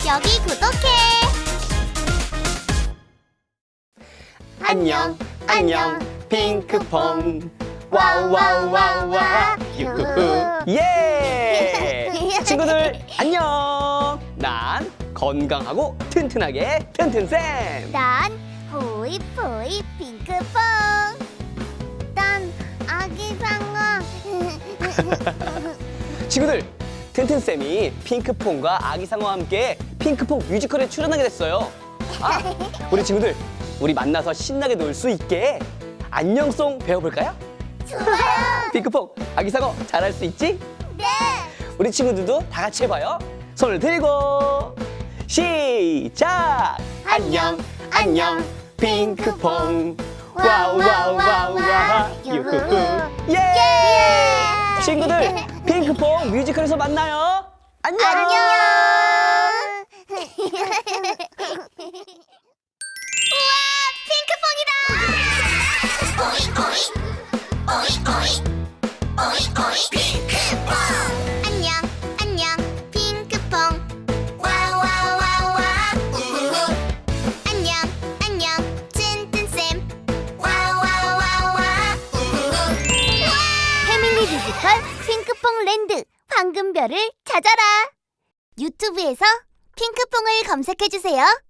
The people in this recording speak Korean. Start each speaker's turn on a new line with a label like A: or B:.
A: 여기 구독해.
B: 안녕 안녕 핑크퐁 와우 와우 와우 와우 유후후 예 친구들 안녕 난 건강하고 튼튼하게 튼튼쌤
A: 난 호이포이 핑크퐁. 난 아기상어.
B: 친구들 튼튼쌤이 핑크퐁과 아기상어와 함께 핑크퐁 뮤지컬에 출연하게 됐어요. 우리 친구들 우리 만나서 신나게 놀 수 있게 안녕송 배워볼까요?
A: 좋아요.
B: 핑크퐁 아기상어 잘할 수 있지?
A: 네.
B: 우리 친구들도 다 같이 해봐요. 손을 들고 시작! 안녕 안녕 핑크퐁 와우 와우 와우 와우 유후후 예! 친구들 핑크퐁 뮤지컬에서 만나요. 안녕!
A: 안녕. 우와, 핑크퐁이다. 안녕, 안녕, 핑크퐁. 와와와와. 안녕, 안녕, 튼튼쌤. 와와와와. 패밀리 뮤지컬 핑크퐁 랜드 황금별을 찾아라. 유튜브에서 핑크퐁을 검색해주세요.